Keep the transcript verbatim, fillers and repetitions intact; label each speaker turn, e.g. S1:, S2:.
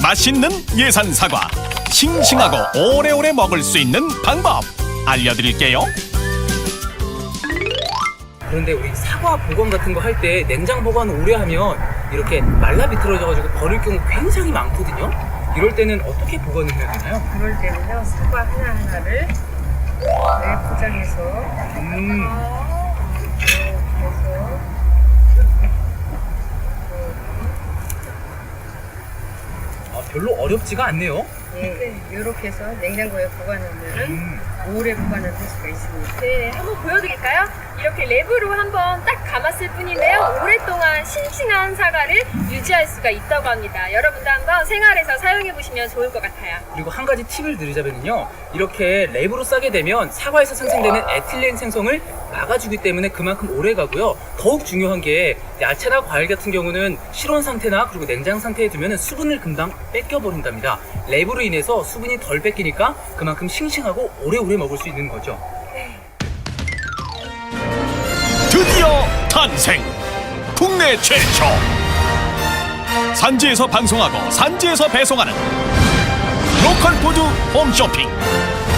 S1: 맛있는 예산 사과, 싱싱하고 오래오래 먹을 수 있는 방법 알려드릴게요.
S2: 그런데 우리 사과 보관 같은 거 할 때 냉장 보관 오래 하면 이렇게 말라 비틀어져가지고 버릴 경우 굉장히 많거든요. 이럴 때는 어떻게 보관을 해야 되나요?
S3: 그럴 때는요, 사과 하나하나를 네, 포장해서
S2: 음,
S3: 이렇게 해서
S2: 아, 별로 어렵지가 않네요.
S3: 예, 이렇게 해서 냉장고에 보관하면
S2: 음,
S3: 오래 보관을 할 수가 있습니다.
S4: 네, 한번 보여드릴까요? 이렇게 랩으로 한번 딱 감았을 뿐인데요. 오랫동안 싱싱한 사과를 유지할 수가 있다고 합니다. 여러분도 한번 생활에서 사용해보시면 좋을 것 같아요.
S2: 그리고 한 가지 팁을 드리자면요, 이렇게 랩으로 싸게 되면 사과에서 생성되는 에틸렌 생성을 막아주기 때문에 그만큼 오래 가고요. 더욱 중요한 게 야채나 과일 같은 경우는 실온 상태나 그리고 냉장 상태에 두면 수분을 금방 뺏겨버린답니다. 랩으로 인해서 수분이 덜 뺏기니까 그만큼 싱싱하고 오래오래 먹을 수 있는 거죠.
S1: 드디어 탄생! 국내 최초! 산지에서 방송하고 산지에서 배송하는 로컬 푸드 홈쇼핑